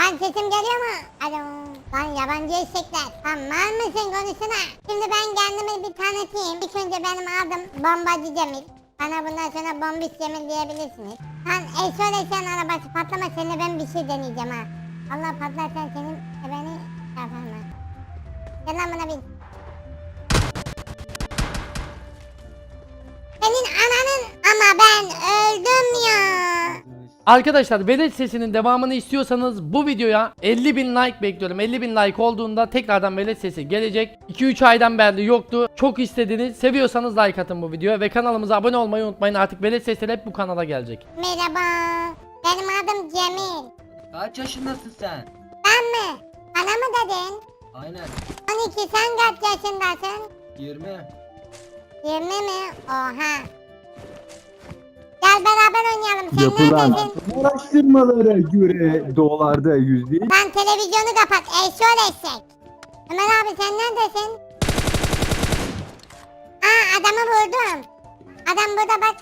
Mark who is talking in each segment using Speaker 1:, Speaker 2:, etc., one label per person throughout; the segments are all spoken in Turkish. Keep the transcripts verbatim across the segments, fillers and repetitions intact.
Speaker 1: Lan sesim geliyor mu? Alo. Lan yabancı eşekler. Lan mal mısın konuşsana. Şimdi ben kendimi bir tanıtayım. İlk önce benim adım Bombacı Cemil. Bana bundan sonra Bombiş Cemil diyebilirsiniz. Lan eşöyle sen arabası patlama, seninle ben bir şey deneyeceğim ha. Allah patlarsan senin e beni yaparım ha. Gel lan buna bin. Senin ananın ama ben öldüm ya.
Speaker 2: Arkadaşlar velet sesinin devamını istiyorsanız bu videoya elli bin like bekliyorum. elli bin like olduğunda tekrardan velet sesi gelecek. iki üç aydan beri yoktu. Çok istediniz. Seviyorsanız like atın bu videoya ve kanalımıza abone olmayı unutmayın. Artık velet sesleri hep bu kanala gelecek.
Speaker 1: Merhaba. Benim adım Cemil.
Speaker 3: Kaç yaşındasın sen?
Speaker 1: Ben mi? Bana mı dedin?
Speaker 3: Aynen.
Speaker 1: on iki, sen kaç yaşındasın?
Speaker 3: yirmi.
Speaker 1: yirmi mi? Oha. Gel beraber oynayalım. Sen
Speaker 4: Yapılan
Speaker 1: neredesin?
Speaker 4: araştırmalara göre dolarda yüzde
Speaker 1: Lan televizyonu kapat. Eşşoğlu eşek. Ömer abi sen neredesin? Aa, adamı vurdum. Adam burada bak.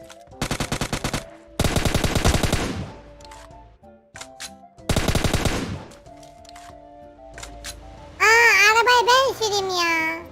Speaker 1: Aa, arabayı ben süreyim ya.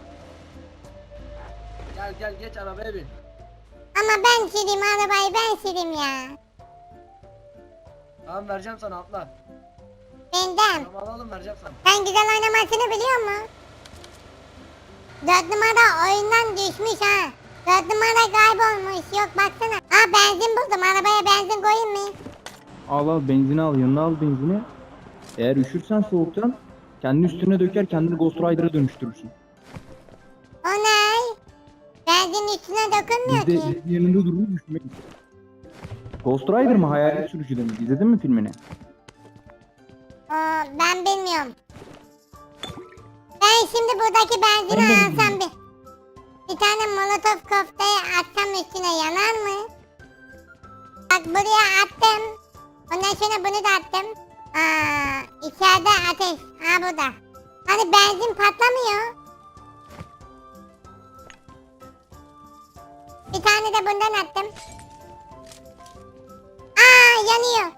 Speaker 3: Gel gel geç arabaya bin.
Speaker 1: Ama ben süreyim arabayı, ben süreyim ya.
Speaker 3: Tamam vereceğim sana atla.
Speaker 1: Benden.
Speaker 3: Tamam alalım vereceğim sana.
Speaker 1: Sen güzel oynamasını biliyor musun? Dört numara oyundan düşmüş ha. Dört numara kaybolmuş. Yok baksana. Aa, benzin buldum. Arabaya benzin koyayım mı?
Speaker 4: al al benzini al yanına al benzini. Eğer üşürsen soğuktan kendi üstüne döker kendini Ghost Rider'a dönüştürürsün.
Speaker 1: O ne? Benzin üstüne dokunmuyor
Speaker 4: Biz de,
Speaker 1: ki.
Speaker 4: biz de yanında durur üşümek. Ghost Rider mı hayalet sürücü demek? İzledin mi filmini?
Speaker 1: Oo, ben bilmiyorum. Ben şimdi buradaki benzini
Speaker 4: Ben de
Speaker 1: alsam
Speaker 4: bilmiyorum.
Speaker 1: bir. Bir tane molotof koftayı atsam üstüne yanar mı? Bak buraya attım. Ondan sonra bunu da attım. Aa, içeride ateş. Ha burada. Hani benzin patlamıyor. Bir tane de bundan attım. Aa, yanıyor.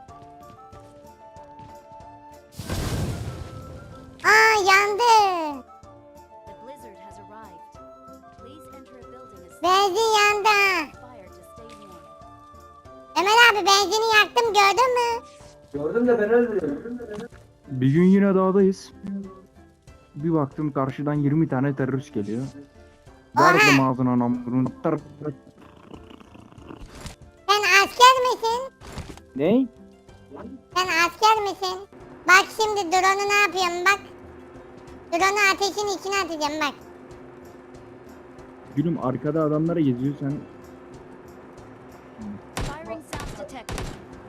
Speaker 1: Aa, yandı.
Speaker 5: The blizzard has arrived. Please enter a building as
Speaker 1: Benzin yandı.
Speaker 5: fire to stay warm.
Speaker 1: Ömer abi benzini yaktım, gördün mü?
Speaker 3: Gördüm de ben öldürüyorum.
Speaker 4: Bir gün yine dağdayız. Bir baktım karşıdan yirmi tane terörist geliyor. Verdim ağzına namurunu. Tar-
Speaker 1: Sen asker misin?
Speaker 4: Ne?
Speaker 1: Sen asker misin? Bak şimdi drone'u ne yapıyorum bak. Drone'u ateşin içine atacağım bak.
Speaker 4: Gülüm arkada adamlara geziyor sen.
Speaker 5: Firing sounds detected.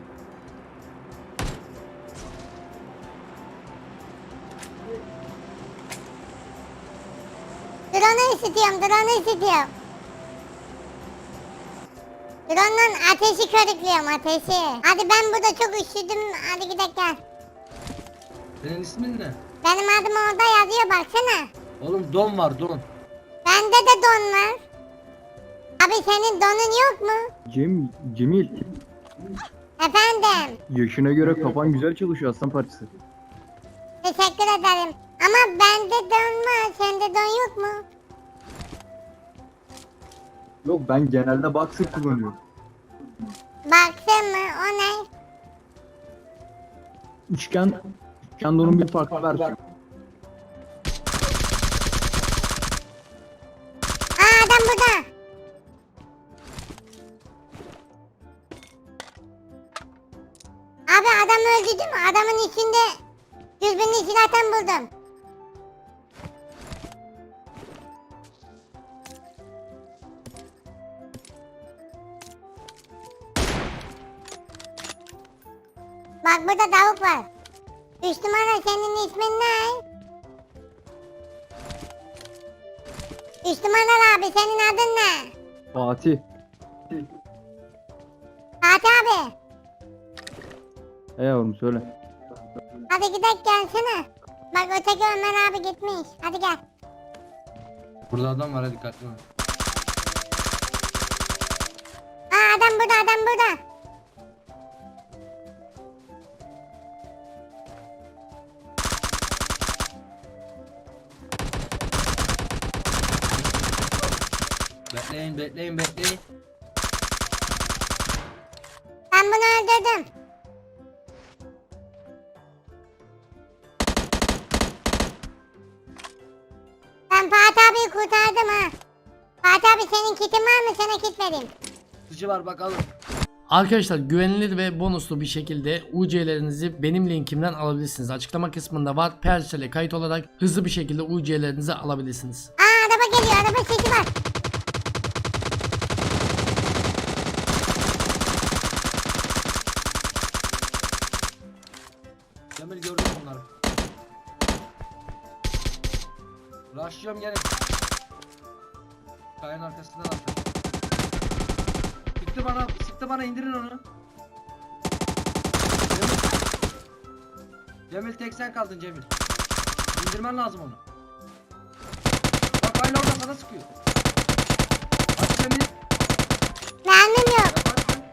Speaker 1: Drone'u ısıtıyorum, drone'u ısıtıyorum. Drone'dan ateşi körüklüyorum, ateşi. Hadi ben burada çok üşüdüm, hadi gidelim gel.
Speaker 3: Senin ismin ne?
Speaker 1: Benim adım orada yazıyor baksana.
Speaker 3: Oğlum don var don.
Speaker 1: Bende de don var. Abi senin donun yok mu?
Speaker 4: Cem, Cemil.
Speaker 1: Efendim.
Speaker 4: Yaşına göre kafan güzel çalışıyor aslan parçası.
Speaker 1: Teşekkür ederim. Ama bende don var, sende don yok mu?
Speaker 4: Yok ben genelde boxer kullanıyorum.
Speaker 1: Baksın mı? O ne?
Speaker 4: Üçgen, üçgen donun bir farklı versiyonu.
Speaker 1: Aa, adam burada. Abi adam öldü değil mi? Adamın içinde dürbünlü silahtan buldum. Bak burada tavuk var. Üç numara, senin ismin ne? Üç numaralı abi, senin adın ne?
Speaker 4: Fatih.
Speaker 1: Fatih abi.
Speaker 4: He yavrum söyle.
Speaker 1: Hadi gidelim gelsene. Bak öteki Ömer abi gitmiş. Hadi gel.
Speaker 3: Burada adam var, hadi dikkatli ol.
Speaker 1: Aa, adam burada, adam burada.
Speaker 3: Bekleyin bekleyin bekleyin.
Speaker 1: Ben bunu öldürdüm. Ben Fatih abiyi kurtardım ha. Fatih abi senin kitin var mı? Sana kit vereyim.
Speaker 3: Sıcı var bakalım.
Speaker 2: Arkadaşlar güvenilir ve bonuslu bir şekilde U C'lerinizi benim linkimden alabilirsiniz. Açıklama kısmında var. Persel'e kayıt olarak hızlı bir şekilde U C'lerinizi alabilirsiniz.
Speaker 1: Aa araba geliyor. Araba sesi var.
Speaker 3: Cemil gördüm onları. Rushlıyorum gelin. Kayanın arkasından attım. Sıktı bana, sıktı bana indirin onu. Cemil. Cemil tek sen kaldın Cemil. İndirmen lazım onu. Bak hala orada sana sıkıyor. Aç Cemil.
Speaker 1: Mermim yok.
Speaker 3: Yaparsın.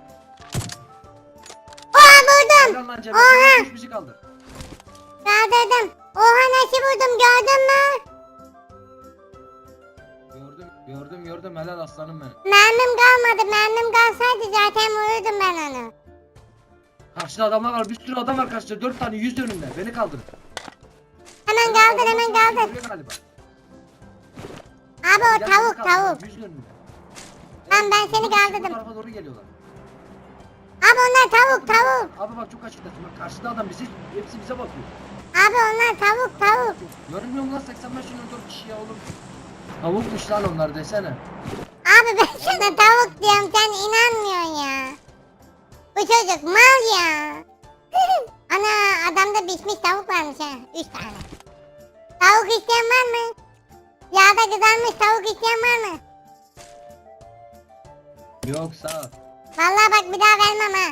Speaker 1: Oha vurdum.
Speaker 3: Helal lan Cemil.
Speaker 1: Oha.
Speaker 3: Üç bizi kaldı.
Speaker 1: Kaldırdım. Oha nasıl vurdum gördün mü?
Speaker 3: Gördüm, gördüm, gördüm. Helal aslanım benim.
Speaker 1: Mermim kalmadı. Mermim kalsaydı zaten vururdum ben onu.
Speaker 3: Karşıda adamlar var. Bir sürü adam var karşıda. Dört tane yüz önünde. Beni kaldırın.
Speaker 1: Hemen kaldır hemen kaldır.
Speaker 3: Vuruyor galiba.
Speaker 1: Abi o
Speaker 3: Gel,
Speaker 1: tavuk
Speaker 3: beni kaldır,
Speaker 1: tavuk.
Speaker 3: yüz önünde.
Speaker 1: Tamam, ben seni
Speaker 3: Bu- Bu
Speaker 1: kaldırdım.
Speaker 3: tarafa doğru geliyorlar.
Speaker 1: Abi onlar tavuk tavuk.
Speaker 3: Abi bak çok açıktasın. Bak karşıda adam bizi, hepsi bize bakıyor.
Speaker 1: Abi onlar tavuk tavuk.
Speaker 3: Görünmüyor mu lan seksen beş yirmi dört kişi ya oğlum. Tavukmuş lan onlar desene.
Speaker 1: Abi ben sana tavuk diyorum sen inanmıyorsun ya. Bu çocuk mal ya. Ana adamda pişmiş tavuk varmış ha. Üç tane. Tavuk isteyen var mı? Yağda kızarmış tavuk isteyen var mı?
Speaker 3: Yok sağ ol.
Speaker 1: Vallahi bak bir daha vermem ha.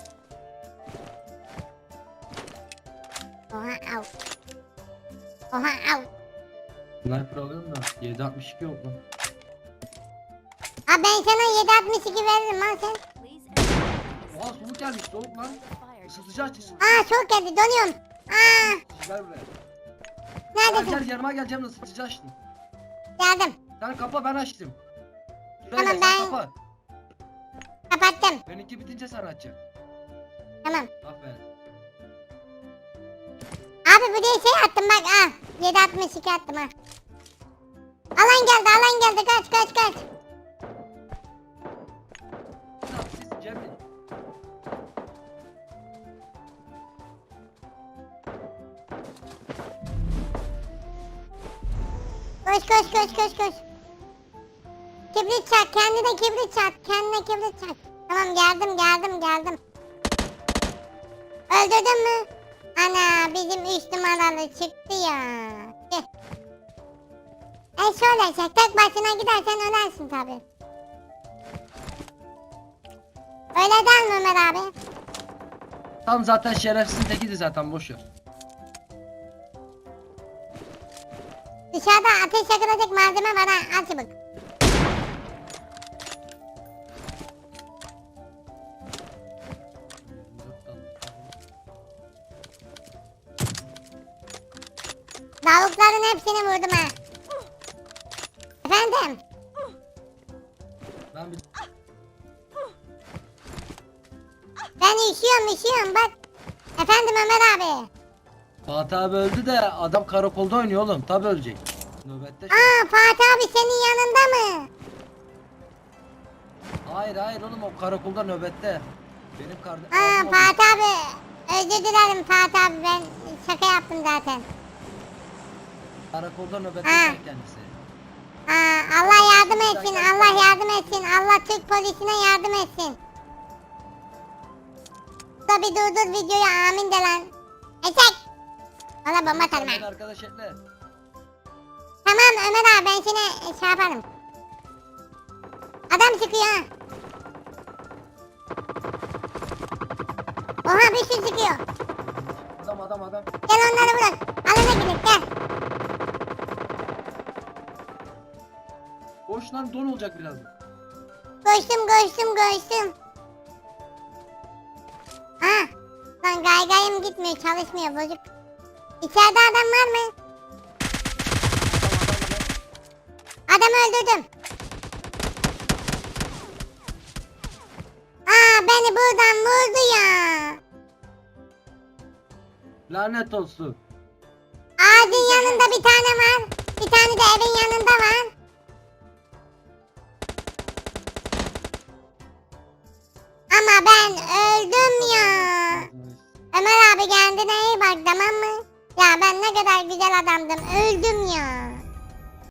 Speaker 1: Oha av. Oha av.
Speaker 3: Sniper alıyorum da yedi altmış iki yok lan.
Speaker 1: Abi ben sana yedi altmış iki veririm lan sen.
Speaker 5: Please enter the
Speaker 3: Oha soğuk gelmiş soğuk lan.
Speaker 5: fire.
Speaker 3: Isıtıcı aç ısıtıcı.
Speaker 1: Aa çok geldi donuyorum. Aa
Speaker 3: Gel buraya. Gel
Speaker 1: neredesin?
Speaker 3: gel yanıma gel canım ısıtıcı açtım.
Speaker 1: Geldim.
Speaker 3: Sen kapa ben açtım.
Speaker 1: Tamam,
Speaker 3: Şuraya gel,
Speaker 1: ben-
Speaker 3: sen kapa.
Speaker 1: Kapattım.
Speaker 3: Benimki bitince sen açacaksın.
Speaker 1: Tamam.
Speaker 3: Aferin.
Speaker 1: Abi bu diye şey attım bak al. yedi altmış iki attım ha. Alan geldi alan geldi kaç kaç kaç.
Speaker 3: Siz Cemil.
Speaker 1: Koş koş koş koş koş. Kibrit çak kendine kibrit çak kendine kibrit çak. Tamam geldim geldim geldim. Öldürdün mü? Ana bizim üç numaralı çıktı ya. Gel. E şöyle çek tek başına gidersen ölersin tabi. Öyle der mi Ömer abi?
Speaker 3: Tam zaten şerefsizin tekiydi zaten boş ver.
Speaker 1: Dışarıda ateş yakılacak malzeme var ha. Al çabuk. Tavukların hepsini vurdum ha. Efendim?
Speaker 3: Ben bir
Speaker 1: Ben üşüyorum üşüyorum bak. Efendim Ömer abi.
Speaker 3: Fatih abi öldü de adam karakolda oynuyor oğlum. Tabi ölecek. Nöbette şu.
Speaker 1: Aa Fatih abi senin yanında mı?
Speaker 3: Hayır hayır oğlum o karakolda nöbette. Benim kardeşim.
Speaker 1: Aa Fatih abi. Özür dilerim Fatih abi ben şaka yaptım zaten.
Speaker 3: Karakolda nöbette
Speaker 1: Ha.
Speaker 3: kendisi.
Speaker 1: Aa Allah yardım etsin Allah yardım etsin. Allah Türk polisine yardım etsin. Da bir durdur videoyu amin de lan. Eçek. Ona bomba atarım
Speaker 3: Sen
Speaker 1: ha.
Speaker 3: arkadaş etle.
Speaker 1: Tamam Ömer abi ben seni şey yaparım. Adam çıkıyor ha. Oha bir sürü çıkıyor.
Speaker 3: Adam adam adam.
Speaker 1: Gel onları bırak. Alana gidelim gel.
Speaker 3: Boş lan don olacak birazdan.
Speaker 1: Koştum koştum koştum. Ha. Lan gaygayım gitmiyor çalışmıyor bozuk. İçeride adam var mı? Adamı öldürdüm. beni buradan vurdu ya.
Speaker 3: Lanet olsun.
Speaker 1: Ağacın yanında bir tane var. Bir tane de evin yanında var. Ama ben öldüm ya. Ömer abi kendine iyi bak tamam mı? Ya ben ne kadar güzel adamdım. Öldüm ya.